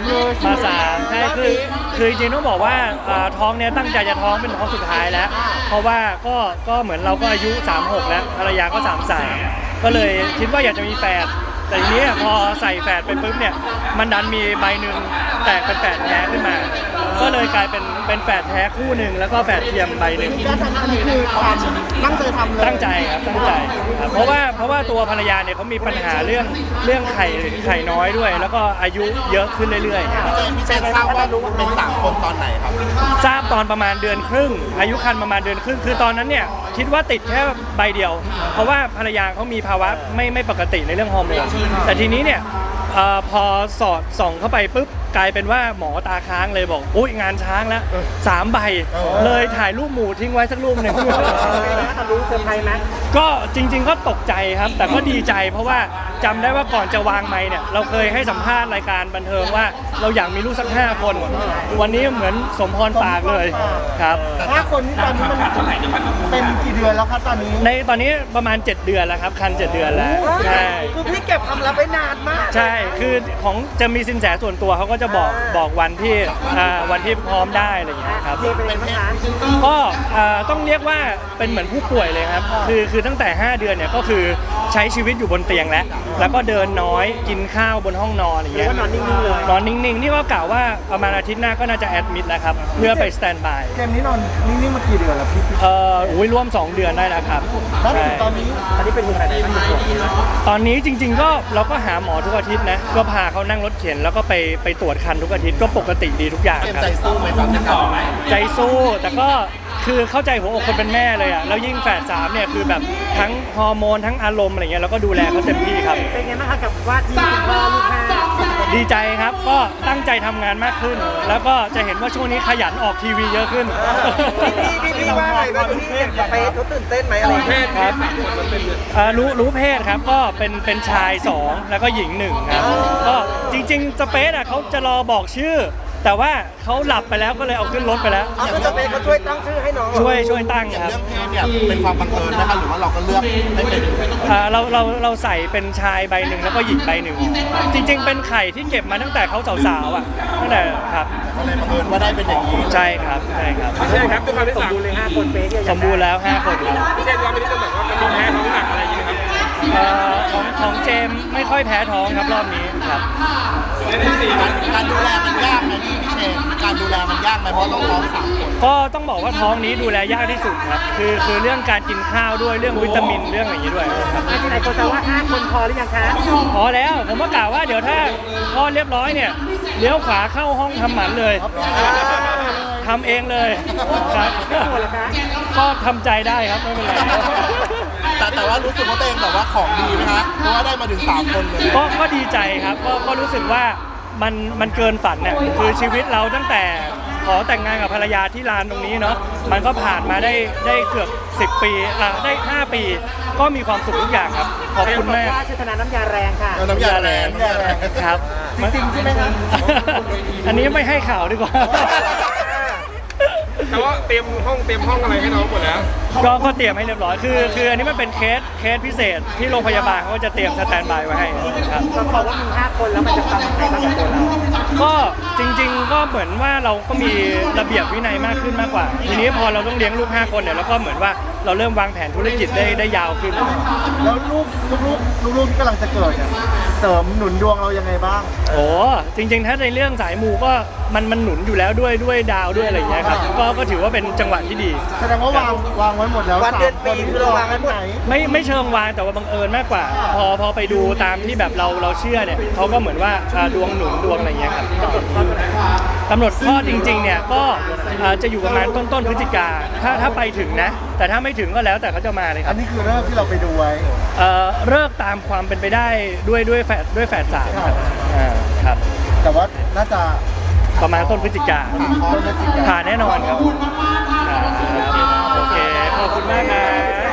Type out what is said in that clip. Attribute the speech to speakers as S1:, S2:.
S1: เลย
S2: มา3ใช่คือจริงๆต้องบอกว่าท้องเนี่ยตั้งใจจะท้องเป็นท้องสุดท้ายแล้ว เพราะว่าก็เหมือนเราก็อายุ36แล้วภรรยาก็33ก็เลยคิดว่าอยากจะมีแฝดแต่ทีนี้พอใส่แฝดไปปุ๊บเนี่ยมันดันมีใบหนึ่งแตกเป็นแฝดแท้ขึ้นมา ก็เลยกลายเป็นแฝดแท้คู่หนึ่งแล้วก็แฝดเทียมใบหนึ่ง
S1: การทำอันนี้คือความตั้งใจทำเลย
S2: ตั้งใจครับตั้งใจครับเพราะว่าตัวภรรยาเนี่ยเขามีปัญหาเรื่องไข่น้อยด้วย แล้วก็อายุเยอะขึ้นเรื่อยๆครับ
S3: พี่เจนทราบว่าเป็น3 คนตอนไหนครับ
S2: ทราบตอนประมาณเดือนครึ่งอายุครรภ์ประมาณเดือนครึ่งคือตอนนั้นเนี่ยคิดว่าติดแค่ใบเดียว เพราะว่าภรรยาเขามีภาวะไม่ปกติในเรื่องฮอร์โมนแต่ทีนี้เนี่ยพอสอดส่องเข้าไปปุ๊บกลายเป็นว่าหมอตาค้างเลยบอกอุ้ยงานช้างแล้ว3 ใบเลยถ่ายรูปหมูทิ้งไว้สักรูปหนึ่ง
S1: รู้เซอร์ไพรส์ไหม
S2: ก็จริงๆก็ตกใจครับแต่ก็ดีใจเพราะว่าจำได้ว่าก่อนจะวางไมค์เนี่ยเราเคยให้สัมภาษณ์รายการบันเทิงว่าเราอยากมีลูกสัก5 คนวันนี้เหมือนสมพรปากเลยครับ
S1: 5 คนตอนนี้มันเป็นกี่เดือนแล้วครับตอนนี้
S2: ตอนนี้ประมาณ7 เดือนแล้วครับคัน7 เดือนแล้วใช่
S1: คือพี่เก็บความลับไว้นานมาก
S2: ใช่คือของจะมีสินแสส่วนตัวเขาก็จะบอกวันที่พร้อมได้อะไรอย่างเงี้ยครับก็ต้องเรียกว่าเป็นเหมือนผู้ป่วยเลยครับคือตั้งแต่ 5 เดือนเนี่ยก็คือใช้ชีวิตอยู่บนเตียงแล้วก็เดินน้อยกินข้าวบนห้องนอนอย่างเงี้ย
S1: นอนนิ่งๆเลย
S2: นอนนิ่งๆนี่ก็กล่าวว่าประมาณอาทิตย์หน้าก็น่าจะแอดมิดแล้วครับเพื่อไปสแตนด์บาย
S1: เกมนี้นอนนิ่งๆมากี่เดือนแล้วพี่
S2: ร่วม2 เดือนได้แล้วครับ
S1: แล้วตอนนี้เป็นยังไง
S2: ตอนนี้จริงๆก็เราก็หาหมอทุกอาทิตย์นะก็พาเขานั่งรถเข็นแล้วก็ไปตรวจคันทุกอาทิตย์ก็ปกติดีทุกอย่างครับ
S3: ใจสู้ไหมครับ
S2: ใจสู้แต่ก็คือเข้าใจหัวอกคนเป็นแม่เลยอ่ะแล้วยิ่งแฝด3เนี่ยคือแบบทั้งฮอร์โมนทั้งอารมณ์อะไรเงี้ยเราก็ดูแลเขาเต็มที่ครับ
S1: เป็นไงบ้างคะกับว่าที่คุณพ่อลูก5
S2: ดีใจครับก็ตั้งใจทำงานมากขึ้นแล้วก็จะเห็นว่าช่วงนี้ขยันออกทีวีเยอะขึ้น
S1: พี่ว่าไงบ้างพี่สเปซเขาตื่นเต้นไหมอะไร
S2: ครับรู้เพศครับก็เป็นชาย2แล้วก็หญิง1ครับก็จริงๆสเปซอ่ะเขาจะรอบอกชื่อแต่ว่าเขาหลับไปแล้วก็เลยเอาขึ้นรถไปแล้ว
S1: ก็จะเป็นเขาช่วยตั้งชื่อให้น้อง
S2: ช่วยตั้งครับ
S3: เรื่องเพศเนี่ยเป็นความบังเอิญนะครับหรือว่าเราก็เลือกไม่เป็น
S2: เราใส่เป็นชายใบหนึ่งแล้วก็หญิงใบหนึ่งจริงๆเป็นไข่ที่เก็บมาตั้งแต่เขาสาวๆอ่ะตั้งแต่ครับ
S3: ก็เลยบังเอิญว่าได้เป็นอย่างนี้
S2: ใช่ครับใช่ครับ
S1: ใช่ครับด้วยความที่สมบูรณ์เลย5 คนเป๊ะ
S2: สมบูรณ์แล้ว5 คนครับ
S1: พี่เจนว่าไม่ได้จะแบบว่ามันมีแพ้ท้องหนักอะไรอย่างเงี้ยครับ
S2: ของเจมไม่ค่อยแพ้ท้องครับรอบนี้ครับ
S3: การดูแลมันยากไหมพี่เชนการดูแลมันยากไหมเพราะต้องท้อง3 คน
S2: ก็ต้องบอกว่าท้องนี้ดูแลยากที่สุดครับคือเรื่องการกินข้าวด้วยเรื่องวิตามินเรื่องอย่างนี้ด้วยครับ
S1: ไหนคนจะว่า5 คนพอหรือยังคะ
S2: พอแล้วผมก็กล่าวว่าเดี๋ยวถ้าคลอดเรียบร้อยเนี่ยเลี้ยวขวาเข้าห้องทำหมันเลยทำเองเลยครับก็ทำใจได้ครับไม่เป็นไร
S3: แต่ว่ารู้สึกว่าตัวเองแบบว่าของดีไหมคะเพราะว่าได้มาถึง3 คนเลย
S2: ก็ดีใจครับก็รู้สึกว่ามันเกินฝันเนี่ยคือชีวิตเราตั้งแต่ขอแต่งงานกับภรรยาที่ลานตรงนี้เนาะมันก็ผ่านมาได้เกือบ10 ปีได้5 ปีก็มีความสุขทุกอย่างครับขอบคุณมาก
S1: ชื่อธนาน้ำยาแรงค่ะ
S3: น้ำยาแรง
S2: ครับ
S1: จริงใช่ไหมครับ
S2: อันนี้ไม่ให้ข่าวดีกว่า
S4: แต่ว่าเตรียมห้องอะไรให้น้องหมดแล้ว
S2: ก็เตรียมให้เรียบร้อยคืออันนี้มันเป็นเคสพิเศษที่โรงพยาบาลเขาก็จะเตรียมสแตนด์บายไว้ให้ครับ
S1: เขาบอกว่ามี5 คนแล้วมันจะทำยังไงบ้างกับตัวเรา
S2: ก็จริงๆก็เหมือนว่าเราก็มีระเบียบวินัยมากขึ้นมากกว่าทีนี้พอเราต้องเลี้ยงลูก5 คนเนี่ยแล้วก็เหมือนว่าเราเริ่มวางแผนธุรกิจได้ยาวขึ้น
S1: แล้วลูกที่กำลังจะเกิดเนี่ยเสริมหนุนดวงเรายังไงบ้าง
S2: โอ้จริงๆถ้าในเรื่องสายมูก็มันหนุนอยู่แล้วด้วยดาวด้วยอะไรอย่างเงี้ยครับก็ถือว่าเป็นจังหวะที่ดี
S1: แสดงว่าวางไว้หมดแล้ววันเดือนปีคือเราวางไว้หมด
S2: ไม่เชิงวางแต่ว่าบังเอิญมากกว่าพอไปดูตามที่แบบเราเชื่อเนี่ยเขาก็เหมือนว่าดวงหนุนดวงอะไรอย่างเงี้ยครับกำหนดข้อจริงๆเนี่ยก็จะอยู่ประมาณต้นพฤศจิกาถ้าไปถึงนะแต่ถ้าไม่ถึงก็แล้วแต่เขาจะมาเลยครับ
S1: อันนี้คือเริ่มที่เราไปดูไว้
S2: เลิกตามความเป็นไปได้ด้วยแฝด3ครับ
S1: แต่ว่าน่าจะ
S2: ประมาณต้นพฤศจิกาผ่านแน่นอนครับโอเคขอบคุณมากนะ